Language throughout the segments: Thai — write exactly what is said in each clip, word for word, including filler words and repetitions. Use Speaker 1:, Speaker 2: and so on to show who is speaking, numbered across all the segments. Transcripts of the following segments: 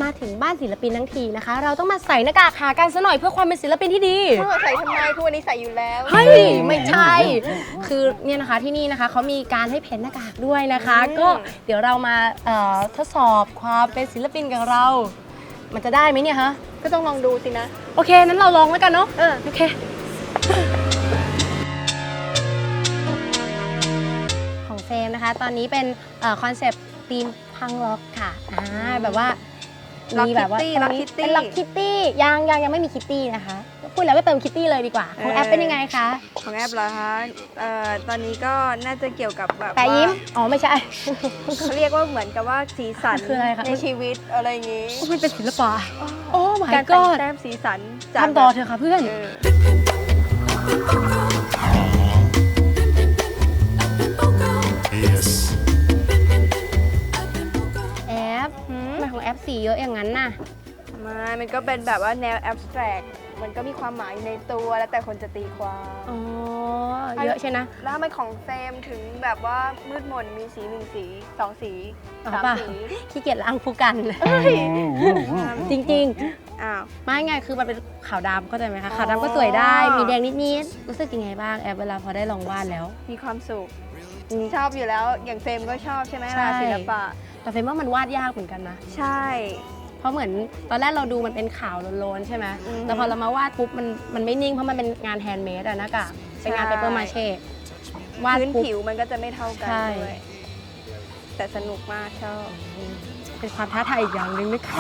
Speaker 1: ถึงบ้านศิลปินทั้งทีนะคะ เราต้องมาใส่หน้ากากหากันซะหน่อยเพื่อความเป็นศิลปินที่ดี
Speaker 2: ใส่ทำไมทุกวันนี้ใส่อยู่แล้ว
Speaker 1: เฮ้ยไม่ใช่ คือเนี่ยนะคะที่นี่นะคะเขามีการให้เพ้นหน้ากากด้วยนะคะ ก็เดี๋ยวเรามาเอ่อทดสอบความเป็นศิลปินกับเรา มันจะได้ไหมเนี่ยฮะ
Speaker 2: ก็ต้องลองดูสินะ
Speaker 1: โอเคนั้นเราลองแล้วกันเนาะเออโอเคของเฟรมนะคะตอนนี้เป็นคอนเซปต์ธีมพังล็อกค่ะอ่าแบบว่า
Speaker 2: Lock
Speaker 1: มีแบบว่า
Speaker 2: Kitty
Speaker 1: ตรง
Speaker 2: Lock
Speaker 1: นี้
Speaker 2: Kitty
Speaker 1: เป็นล็อกคิตตี้ยังยังยังไม่มีคิตตี้นะคะพูดแล้วก็เติมคิตตี้เลยดีกว่าของแอปเป็นยังไงคะ
Speaker 2: ของแอปเหรอคะเอ่อตอนนี้ก็น่าจะเกี่ยวกับแบบ
Speaker 1: แปะยิ้มอ๋อไม่ใช่
Speaker 2: เขาเรียกว่าเหมือนกับว่าสีสัน
Speaker 1: คืออะไรคะ
Speaker 2: ในชีวิตอะไรอย่างงี้
Speaker 1: มันเป็นศิลปะโอ้ my
Speaker 2: การแต่ง
Speaker 1: god
Speaker 2: แต้มสีสันจาก
Speaker 1: ทำต่อเถอะค่ะเพื่อน
Speaker 2: เออ
Speaker 3: Yes.
Speaker 1: แอปทำไมของแอปสีเยอะอย่างนั้นน่ะ
Speaker 2: มามันก็เป็นแบบว่าแนวแอบสแตรกมันก็มีความหมายในตัวแล้วแต่คนจะตีความ
Speaker 1: อ๋อ เยอะใช่นะ
Speaker 2: แล้วทำไมของเฟรมถึงแบบว่ามืดมนมีสีหนึ่งสีสองสี
Speaker 1: อ๋อ
Speaker 2: สาม
Speaker 1: ป่ะ
Speaker 2: สี
Speaker 1: ขี้เกียจล้างผู้กัน จริง
Speaker 2: อ้าว
Speaker 1: ๆ ไม่ไงคือมันเป็นขาวดำเข้าใจไหมคะ
Speaker 2: อ๋อ
Speaker 1: ขาวดำก็สวยได้ มีแดงนิดๆ รู้สึกยังไงบ้างแอปเวลาพอได้ลองวาดแล้ว
Speaker 2: มีความสุขชอบอยู่แล้วอย่างเฟรมก็ชอบใช่ไหม
Speaker 1: ใช่
Speaker 2: ล่ะศิลปะ
Speaker 1: แต่เฟรมว่ามันวาดยากเหมือนกันนะ
Speaker 2: ใช่
Speaker 1: เพราะเหมือนตอนแรกเราดูมันเป็นขาวโลนๆใช่ไหม
Speaker 2: อือฮึ
Speaker 1: แต่พอเรามาวาดปุ๊บมันมันไม่นิ่งเพราะมันเป็นงานแฮนด์เมดอะนะกะเป็นงาน
Speaker 2: ใช่
Speaker 1: เปเปอร์มาเช่วาด
Speaker 2: พื้น
Speaker 1: ปุ๊บ
Speaker 2: ผิวมันก็จะไม่เท่ากัน
Speaker 1: ใช่
Speaker 2: ด้วยแต่สนุกมากชอบ
Speaker 1: เป็นความท้าทายอีกอย่างหนึ่งนะคะ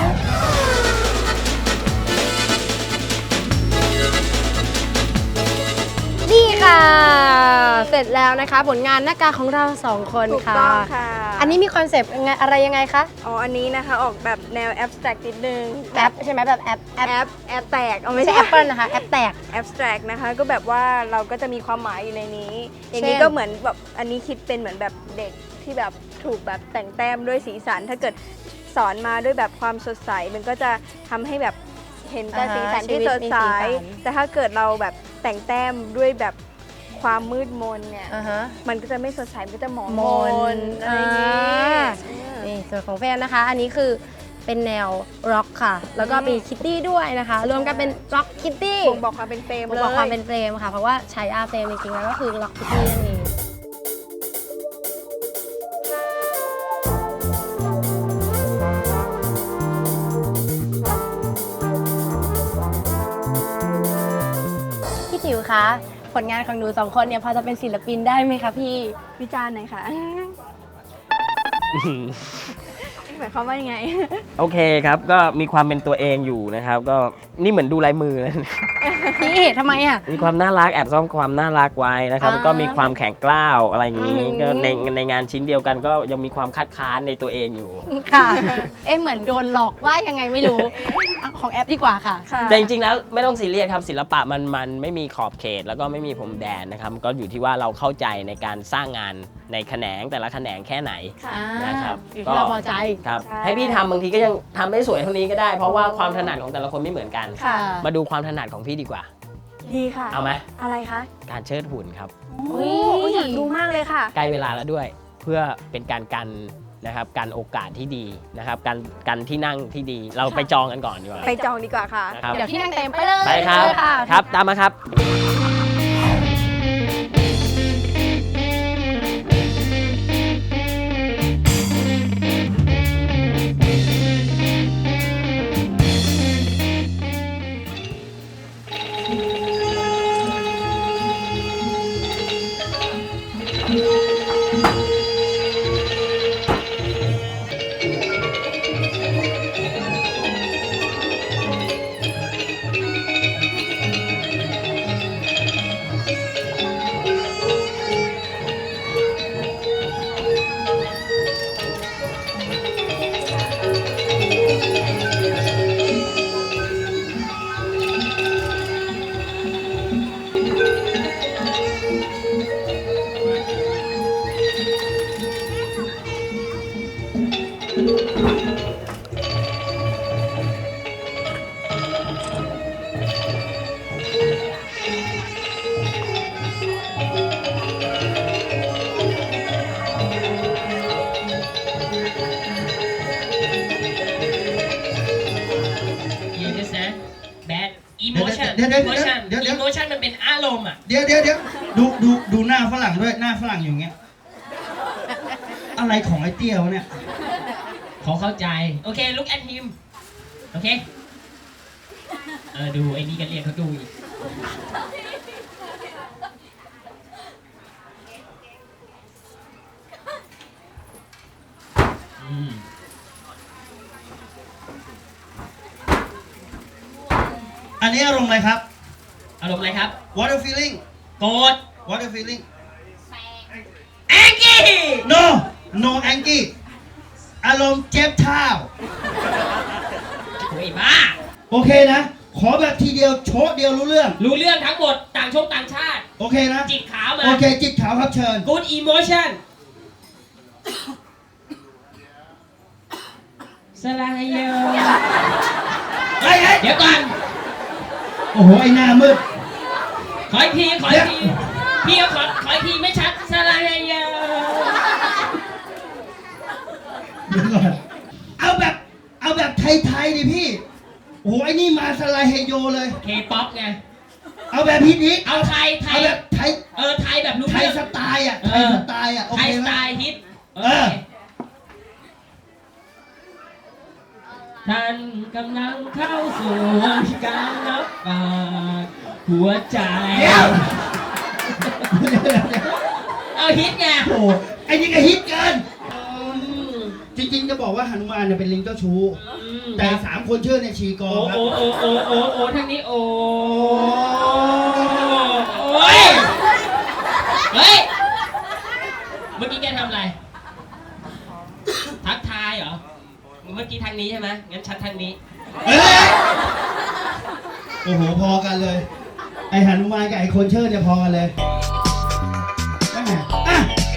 Speaker 1: นี่ค่ะ เสร็จแล้วนะคะ ผลงานหน้ากากของเราสองคน
Speaker 2: ถูก
Speaker 1: ค่ะ
Speaker 2: ต้องค่ะ
Speaker 1: อันนี้มีคอนเซปต์ยังไงอะไรยังไงคะ
Speaker 2: อ๋ออันนี้นะคะออกแบบแนวแอบสแตรกนิดนึง
Speaker 1: แอปใช่ไหมแบบแอปแอป
Speaker 2: แอปแอปแตกเอา
Speaker 1: ไม่
Speaker 2: ไม่
Speaker 1: ใช่
Speaker 2: ใช่
Speaker 1: แอปเปิลนะคะแอปแตก
Speaker 2: แอบสแตรกนะคะก็แบบว่าเราก็จะมีความหมายอยู่ในนี้ อย่างนี้
Speaker 1: เช่น
Speaker 2: ก็เหมือนแบบอันนี้คิดเป็นเหมือนแบบเด็กที่แบบถูกแบบแต่งแต้มด้วยสีสัน ถ้าเกิดสอนมาด้วยแบบความสดใสมันก็จะทำให้แบบเห็นแต่สีสันที่สดใสแต่ถ้าเกิดเราแบบแต่งแต้มด้วยแบบความมืดมนเนี่ย
Speaker 1: อ่าฮะ
Speaker 2: มันก็จะไม่สดใสมันก็จะหมอง
Speaker 1: ม
Speaker 2: ม
Speaker 1: น
Speaker 2: นอะไรอย่างงี้
Speaker 1: อ่า
Speaker 2: อืม
Speaker 1: นี่ส่วนของแฟนนะคะ อันนี้คือเป็นแนวร็อกค่ะ แล้วก็มีคิตตี้ด้วยนะคะ รวมกันเป็นร็อกคิตตี้
Speaker 2: บ่งบอกความเป็นเฟรม
Speaker 1: บ่ง
Speaker 2: เลย
Speaker 1: บอกความเป็นเฟรมค่ะ เพราะว่าใช้อาเฟรมจริงๆแล้วก็คือร็อกคิตตี้นั่นเองพี่จิ๋วคะผลงานของหนูสองคนเนี่ยพอจะเป็นศิลปินได้ไหมคะพี่
Speaker 2: วิจารณ์หน่อยค่ะหมายความว่ายังไง
Speaker 4: โอเคครับ ก็มีความเป็นตัวเองอยู่นะครับ ก็นี่เหมือนดูลายมือเลย
Speaker 1: พี่ทำไมอ่ะ
Speaker 4: มีความน่ารักแอบซ่อนความน่ารักไว้นะครับ
Speaker 1: อ่า
Speaker 4: แล้วก็มีความแข็งกร้าวอะไรอย่างนี้
Speaker 1: อืม
Speaker 4: ก็ในในงานชิ้นเดียวกันก็ยังมีความคัดค้านในตัวเองอยู่
Speaker 1: ค่ะ เอ๊ะเหมือนโดนหลอกว่ายังไงไม่รู้เอาของแอปดีกว่าค่ะ
Speaker 2: ค่ะ
Speaker 4: แต่จริงๆแล้วไม่ต้องซีเรียสครับศิลปะมันมันไม่มีขอบเขต แล้วก็ไม่มีพรมแดนนะครับก็อยู่ที่ว่าเราเข้าใจในการสร้างงานในแขนงแต่ละแขนงแค่ไหน
Speaker 2: ค่ะ
Speaker 4: นะครับ
Speaker 1: อยู่ที่เราพอใจ
Speaker 4: ครับ
Speaker 2: ใช่
Speaker 4: ให้พี่ทำบางทีก็ยังทำได้สวยเท่านี้ก็ได้ เพราะว่าความถนัดของแต่ละคนไม่เหมือนกัน
Speaker 2: ค่ะ
Speaker 4: มาดูความถนัดของพี่ดีกว่า
Speaker 2: ดีค่ะ
Speaker 4: เอาไหม
Speaker 2: อะไรคะ
Speaker 4: การเชิดหุ่นครับ
Speaker 2: โอ้ยอยากดูมากเลยค่ะ
Speaker 4: ใกล้เวลาแล้วด้วย เพื่อเป็นการกันนะครับกันโอกาสที่ดีนะครับกันกันที่นั่งที่ดี เราไปจองกันก่อนดีกว่า
Speaker 2: ไปจองดีกว่าค่ะ
Speaker 4: นะครับ
Speaker 1: เดี๋ยวที่นั่งเต็มไปเลย
Speaker 4: ไปครับ
Speaker 1: เลยค่ะ
Speaker 4: ครับตามมาครับ
Speaker 1: ค
Speaker 5: ดี๋ยวเดี๋ยว
Speaker 4: โม
Speaker 5: เดี๋ยว
Speaker 4: ชั่น
Speaker 5: เดี๋ยวเดี๋ยว
Speaker 4: โมชั่นมันเป็นอารมณ์อ่ะ
Speaker 5: เดี๋ยวเดี๋ยวเดี๋ยวดูดูดูหน้าฝรั่งด้วยหน้าฝรั่งอย่างเงี้ยอะไรของไอ้เตี้ยวะเนี่ย
Speaker 4: เขาเข้าใจ โอเค look at him โอเค เออ ดูไอ้นี่กันเรียกเขาดูอีก อืม
Speaker 5: อันนี้อารมณ์อะไรครับ
Speaker 4: อารมณ์อะไรครับ
Speaker 5: What are you feeling
Speaker 4: โกรธ
Speaker 5: What are you feeling
Speaker 4: แองกี้
Speaker 5: No No angry อารมณ์เจ็บเท้า
Speaker 4: โอ้ยบ้า
Speaker 5: โอเคนะ ขอแบบทีเดียวโชดเดียวรู้เรื่อง
Speaker 4: รู้เรื่องทั้งหมด ต่างชงต่างชาติ
Speaker 5: โอเคนะ
Speaker 4: จิกขาวมา
Speaker 5: โอเค จิตขาวครับเชิญ
Speaker 4: good emotion สลายโย
Speaker 5: เฮ้ยเฮ้ย
Speaker 4: เดี๋ยวก่อน
Speaker 5: โอ้โห ไอ้หน้ามืด
Speaker 4: ขออีกที ขออีกที พี่ก็ขอ ขออีกทีไม่ชัด สลายโย
Speaker 5: เดี๋ยวก่อนเอาแบบ เอาแบบไทยๆดิพี่ โอ้โห ไอ้นี่มาสไลด์เฮโยเลย
Speaker 4: เคป๊อปไง
Speaker 5: เอาแบบฮิตฮิต
Speaker 4: เอาไทย ไท
Speaker 5: เอา
Speaker 4: ย
Speaker 5: แบบไทย
Speaker 4: เออ ไทยแบบรู้
Speaker 5: ไทย
Speaker 4: เรื่อง
Speaker 5: สไตล์อ่ะ
Speaker 4: เอ
Speaker 5: ไทย
Speaker 4: อ
Speaker 5: สไตล์อ่ะ โอ
Speaker 4: ไท
Speaker 5: เค
Speaker 4: ยส
Speaker 5: ไหม
Speaker 4: ไตล์ฮิต
Speaker 5: เออ
Speaker 4: ท่านกำลังเข้าสู่การรับฝากหัวใจ
Speaker 5: เดี๋ยว
Speaker 4: เอาฮิตไง
Speaker 5: โอ้โหไอ้นี่ก็ฮิตเกิน
Speaker 4: อืม
Speaker 5: จริงๆ จะบอกว่าหนุมานเนี่ยเป็นลิงเจ้าชู้
Speaker 4: อืม
Speaker 5: แต่สามคนชื่อในยชีกอ
Speaker 4: โอ้
Speaker 5: ครับ
Speaker 4: โอ้โอ้โอ้โอ้โอ้ทางนี้โอ้โอ้ยเฮ้ย เมื่อกี้แกทำอะไร ทักทายเหรอ เมื่อกี้ทางนี้ใช่ไหมงั้นชัดทางนี้
Speaker 5: เฮ้ยโอ้โห พอกันเลย ไอหนุมานกับไอคนเชิดเนี่ยพอกันเลยแม่อ่ะ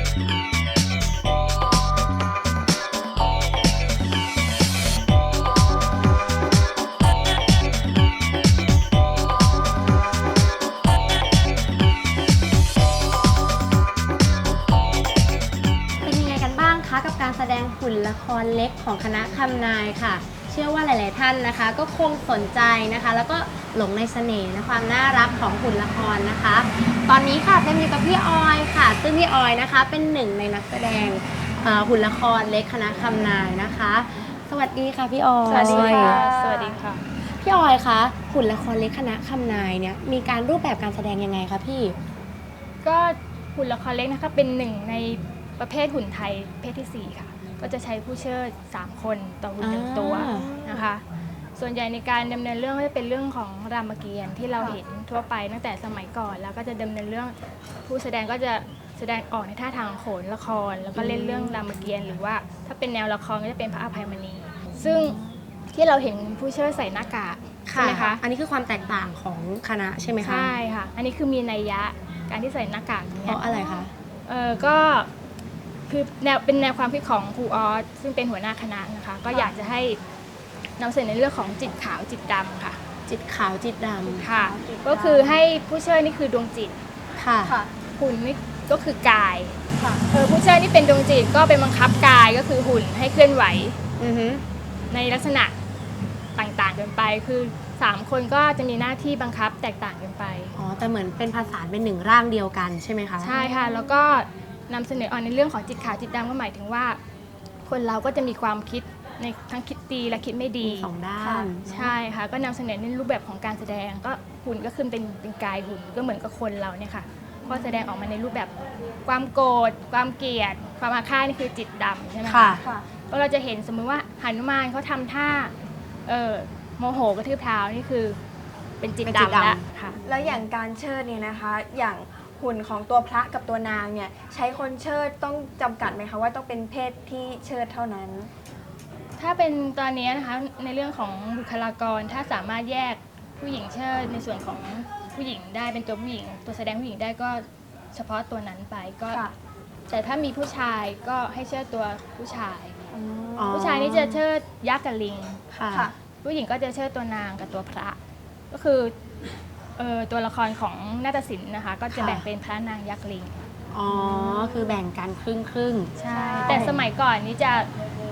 Speaker 1: เป็นยังไงกันบ้างคะกับการแสดงหุ่นละครเล็กของคณะคำนายค่ะ เชื่อว่าหลาย ๆ ท่านนะคะ ก็คงสนใจนะคะ แล้วก็หลงในเสน่ห์และความน่ารักของหุ่นละครนะคะ ตอนนี้ค่ะเต็มอยู่กับพี่ออยค่ะ ซึ่งพี่ออยนะคะ เป็นหนึ่งในนักแสดงเอ่อหุ่นละครเล็กคณะคำนายนะคะ สวัสดีค่ะพี่ออย
Speaker 2: สวัสดีค่ะ สวัสดีค่ะ
Speaker 1: พี่ออยคะหุ่นละครเล็กคณะคำนายเนี่ยมีการรูปแบบการแสดงยังไงคะพี่
Speaker 6: ก็หุ่นละครเล็กนะคะเป็นหนึ่งในประเภทหุ่นไทยประเภทที่สี่ค่ะ ก็จะใช้ผู้เชิดสามคนต่อหุ่นหนึ่งตัว
Speaker 1: อ่า
Speaker 6: นะคะ ส่วนใหญ่ในการดำเนินเรื่องก็จะเป็นเรื่องของรามเกียรติ์ที่เราเห็นทั่วไปตั้งแต่สมัยก่อน แล้วก็จะดำเนินเรื่องผู้แสดงก็จะแสดงออกในท่าทางโขนละคร แล้วก็เล่นเรื่องรามเกียรติ์หรือว่าถ้าเป็นแนวละครก็จะเป็นพระอภัยมณี ซึ่งที่เราเห็นผู้เชิดใส่หน้ากากใช่ไหมคะ
Speaker 1: อันนี้คือความแตกต่างของคณะใช่ไหมคะ
Speaker 6: ใช่ค่ะ อันนี้คือมีนัยยะการที่ใส่หน้ากาก
Speaker 1: เพ
Speaker 6: เนี่ย
Speaker 1: ราะอะไรคะ
Speaker 6: เออก็คือแนวเป็นแนวความคิดของครูออสซึ่งเป็นหัวหน้าคณะนะคะ ก็อยากจะให้นำเสนอในเรื่องของจิตขาวจิตดำค่ะ
Speaker 1: จิตขาวจิตดำ
Speaker 6: ค่ะ ก็คือให้ผู้เชิดนี่คือดวงจิต
Speaker 1: ค่ะ
Speaker 6: หุ่นนี่ก็คือกายเออผู้เชิดนี่เป็นดวงจิตก็เป็นบังคับกายก็คือหุ่นให้เคลื่อนไหว
Speaker 1: อือฮึ
Speaker 6: ในลักษณะต่างๆกันไป คือสามคนก็จะมีหน้าที่บังคับแตกต่างกันไป
Speaker 1: อ๋อ แต่เหมือนเป็นภาษานเป็นหนึ่งร่างเดียวกันใช่ไหมคะ
Speaker 6: ใช่ค่ะ แล้วก็นำเสนอออกในเรื่องของจิตขาวจิตดำก็หมายถึงว่า คนเราก็จะมีความคิดในทั้งคิดดีและคิดไม่ดี
Speaker 1: มีสองด้าน
Speaker 6: ค่ะใช่ค่ะ ก็นำเสนอในรูปแบบของการแสดงก็หุ่นก็คือเป็นเป็นกายหุ่นก็เหมือนกับคนเราเนี่ยค่ะก็แสดงออกมาในรูปแบบความโกรธความเกลียดความอาฆาตนี่คือจิตดำใช่ไหม
Speaker 1: ค่ะ
Speaker 6: คะก็เราจะเห็นสมมุติว่าหนุมานเขาทำท่าเออโมโหกระทืบเท้านี่คือเป็นจิต
Speaker 1: เป็นจิต
Speaker 6: ดำ
Speaker 1: ดำ
Speaker 6: แล้วค่ะ
Speaker 2: แล้วอย่างการเชิดเนี่ยนะคะ อย่างหุ่นของตัวพระกับตัวนางเนี่ยใช้คนเชิดต้องจำกัดไหมคะว่าต้องเป็นเพศที่เชิดเท่านั้น
Speaker 6: ถ้าเป็นตอนนี้นะคะในเรื่องของบุคลากรถ้าสามารถแยกผู้หญิงเชิดในส่วนของผู้หญิงได้เป็นตัวผู้หญิง ตัวแสดงผู้หญิงได้ก็เฉพาะตัวนั้นไปก็
Speaker 2: ค่ะ
Speaker 6: แต่ถ้ามีผู้ชายก็ให้เชิดตัวผู้ชาย
Speaker 1: อ๋อ
Speaker 6: ผู้ชายนี่จะเชิดยักษ์กับลิง
Speaker 1: ค่ะ
Speaker 2: ค่ะ
Speaker 6: ผู้หญิงก็จะเชิดตัวนางกับตัวพระ ก็คือเอ่อตัวละครของนาฏศิลป์นะคะ ก็จะ
Speaker 1: ค่ะ
Speaker 6: แบ่งเป็นพระนางยักษ์ลิง
Speaker 1: อ๋อ คือแบ่งกันครึ่งครึ่ง
Speaker 6: ใช่ แต่สมัยก่อนนี้จะ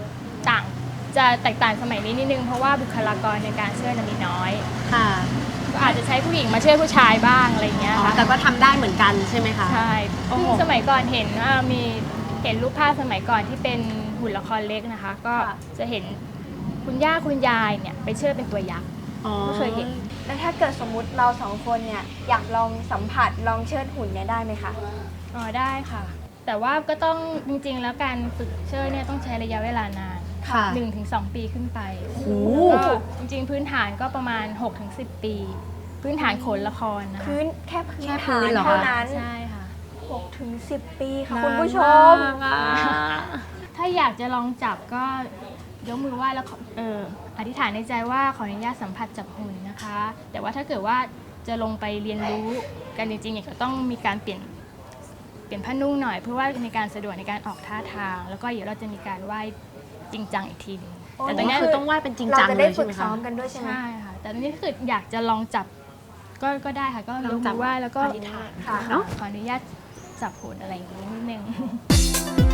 Speaker 6: ต่างจะแตกต่างสมัยนี้นิดนึงเพราะว่าบุคลากรในการเชิดน่ะมีน้อย
Speaker 1: ๆค่ะ
Speaker 6: คก็อาจจะใช้ผู้หญิงมาช่วยผู้ชายบ้างอะไรอย่างเงี้ย
Speaker 1: อ๋อ
Speaker 6: ค่ะ
Speaker 1: แต่ก็ทำได้เหมือนกันใช่ไหมคะ
Speaker 6: ใช่
Speaker 1: โอ้โห
Speaker 6: ซึ่งสมัยก่อนเห็นว่ามีเห็นรูปภาพสมัยก่อนที่เป็นหุ่นละครเล็กนะคะ ก็
Speaker 1: ค่ะ
Speaker 6: จะเห็นคุณย่าคุณยายเนี่ยไปเชิดเป็นตัวยักษ์
Speaker 1: อ๋อ
Speaker 6: ไม่เคยเห็น
Speaker 2: แล้วถ้าเกิดสมมุติเราสองคนเนี่ยอยากลองสัมผัสลองเชิดหุ่นเนี่ยได้ไหมคะ
Speaker 6: อ๋อได้ค่ะ แต่ว่าก็ต้องจริงๆ แล้วการฝึกเชิดเนี่ยต้องใช้ระยะเวลานาน
Speaker 1: ค่ะ
Speaker 6: หนึ่งถึงสองปีขึ้นไป
Speaker 1: โอ้โห
Speaker 6: ก็จริงๆ พื้นฐานก็ประมาณหกถึงสิบปี พื้นฐานโขนละครนะคะ
Speaker 2: พื้นแค่พื้น
Speaker 1: แค่พื้
Speaker 2: ฐาน
Speaker 1: นเหรอคะ
Speaker 2: เท่านั้น
Speaker 6: ใช่ค่ะ
Speaker 2: หกถึงสิบปีค่ะ
Speaker 1: นาน
Speaker 2: คุณผู้ชม
Speaker 1: ากอะ
Speaker 6: ถ้าอยากจะลองจับก็ยกมือไหว้แล้วขอเอออธิษฐานในใจว่าขออนุญาตสัมผัสจับหุ่นนะคะ แต่ว่าถ้าเกิดว่าจะลงไปเรียนรู้กันจริงๆเนี่ยก็ต้องมีการเปลี่ยนเปลี่ยนผ้านุ่งหน่อยเพื่อว่าในการสะดวกในการออกท่าทาง แล้วก็เดี๋ยวเราจะมีการไหว้จริงจังอีกทีหนึง
Speaker 2: โอ้
Speaker 6: แต่ต
Speaker 1: แต่
Speaker 6: อน
Speaker 1: เนี้
Speaker 6: เนี้
Speaker 1: ย
Speaker 6: ย
Speaker 1: คือต้องไหว้เป็นจริง
Speaker 2: เรา
Speaker 1: จัง
Speaker 2: จะ
Speaker 1: เล
Speaker 2: ได้
Speaker 1: ย
Speaker 2: ฝึ
Speaker 1: ใช่
Speaker 2: ก
Speaker 1: ไหม
Speaker 2: ซ้
Speaker 1: คะ
Speaker 2: อมกันด้วยใช่ไหม
Speaker 6: ใช่ค่ะ แต่ตอนนี้ถ้าเกิดอยากจะลองจับก็ก็ได้ค่ะ ก็ย
Speaker 1: ลอก งจั
Speaker 6: มื
Speaker 1: บ
Speaker 6: อไหว้แล้วก็
Speaker 1: อธิษฐาน
Speaker 6: ค่ะ
Speaker 1: เนอะ
Speaker 6: ขออนุญาตจับหุ่นอะไรอย่างนี้นิดนึง